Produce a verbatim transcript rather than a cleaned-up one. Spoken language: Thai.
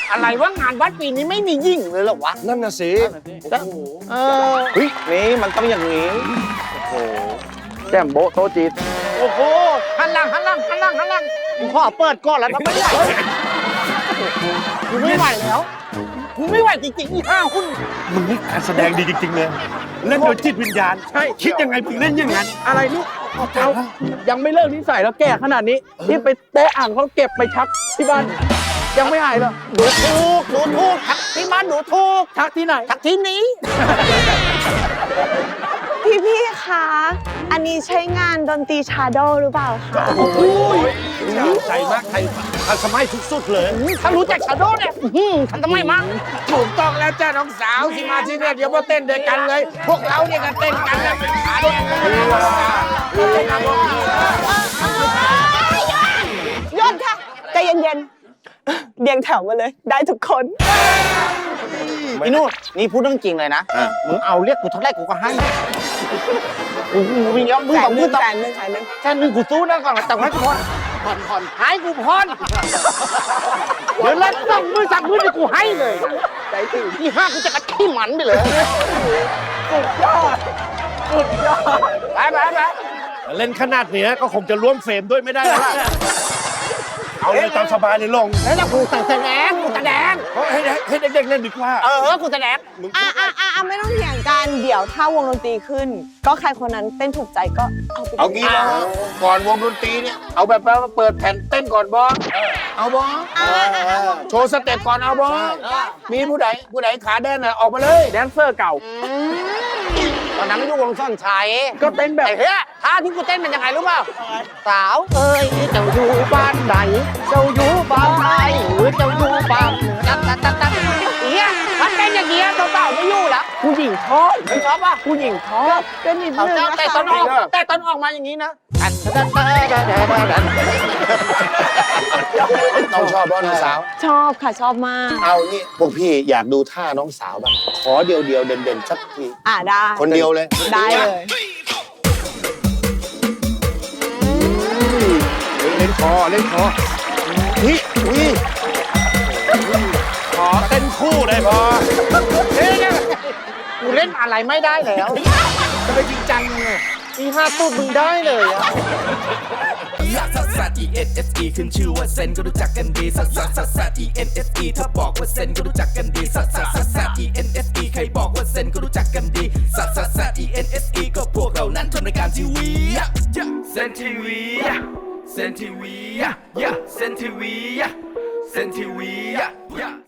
อะไรว่างานวัดปีนี้ไม่มียิ่งเลยหรอวะนั่นน่ะสิเออเฮ้ยนี่มันต้องอย่างนี้โอ้โหแจ่มโบโตจีดโอ้โหหันหลังหันหลังหันหลังหันหลังกูขอเปิดก่อนแล้วทำไมไหวกูไม่ไหวแล้วกูไม่ไหวจริงๆอีห้าหุ้นมึงนี่การแสดงดีจริงๆเลยเล่นโดยจิตวิญญาณใช่คิดยังไงถึงเล่นอย่างนั้นอะไรนี่เอายังไม่เลิกนิสัยแล้วแก่ขนาดนี้ที่ไปแตะอ่างเขาเก็บไปชักที่บ้านยังไม่หายเลยดูถูกดูถูกทักที่บ้านดูถูกทักที่ไหนทักที่นี้พี่พี่คะอันนี้ใช้งานดนตรีชาโดหรือเปล่าคะโอ้โหใจมากใจทันสมัยสุดๆเลยถ้ารู้จักชาโดเนี่ยทันสมัยมากถูกต้องแล้วจ้าน้องสาวที่มาที่เนี่ยเดี๋ยวมาเต้นด้วยกันเลยพวกเราเนี่ยก็เต้นกันแล้วเป็นขาด้วยยอดค่ะใจเย็นๆเรียงแถวมาเลยได้ทุกคนอีนู่นนี่พูดเรื่องจริงเลยนะมึงเอาเรียกกูเท่าไรกูก็ให้โอ้โหมีเงี้ยมึงสองมือแสนหนึ่งแสนหนึ่งแสนหนึ่งกูสู้นะก่อนแต่ให้กูพอนผ่อนผ่อนหายกูพอนเดี๋ยวแล้วสองมือสามมือนี่กูให้เลยใจถึงที่ห้ากูจะกระที่หมันไปเลยสุดยอดสุดยอดไปไปไปเล่นขนาดนี้ก็คงจะร่วมเฟรมด้วยไม่ได้แล้วเอาเลยตามสบายเลยลงแล้วกูแสดงกูแสดงให้ให้เด็กๆเล่นดีกว่าเออกูแสดงอ่ะอ่ะอ่ะไม่ต้องเถียงกันเดี๋ยวถ้าวงดนตรีขึ้นก็ใครคนนั้นเต้นถูกใจก็เอาไปเอางี้ก่อนวงดนตรีเนี่ยเอาแบบว่าเปิดแผ่นเต้นก่อนบอเอาบอโชว์สเต็ปก่อนเอาบอมีผู้ใดผู้ใดขาแดนน่ะออกมาเลยแดนเซอร์เก่าตอนนั้นอยู่วงซ่อนชัยก็เต้นแบบเฮ้ยท่าที่กูเต้นเป็นยังไงรู้เปล่าสาวเอ้ยเจ้าอยู่บ้านไหนเจ้าอยู่บ้านไหนหรือเจ้าอยู่บ้านตัดตัดตัดตัดเอี้ยมันเป็นอย่างเงี้ยเจ้าเปล่าไม่อยู่แล้วผู้หญิงชอบไม่ชอบป่ะผู้หญิงชอบก็นิดนึงแต่ตอนออกแต่ตอนออกมาอย่างนี้นะน้องชอบบ้านน้องสาวชอบค่ะชอบมากเอานี่พวกพี่อยากดูท่าน้องสาวบ้างขอเดียวเดียวเด่นเด่นสักทีอ่าได้คนเดียวเลยได้เลยเล่นคอเล่นคอฮิวิขอเต้นคู่ได้พอเฮ้ยกูเล่นอะไรไม่ได้แล้วจะไปจริงจังไงอีห้าตูดมึงได้เลยอะซัสซัส E N S E ขึ้นชื่อว่าเซนก็รู้จักกันดีซัสซัสซัสซัส E N S E ถ้าบอกว่าเซนก็รู้จักกันดีซัสซัสซัสซัส E N S E ใครบอกว่าเซนก็รู้จักกันดีซัสซัสซัส E N S E ก็พวกเรานั้นทำรายการทีวีเซนทีวีเซนทีวีเซนทีวีเซนทีวี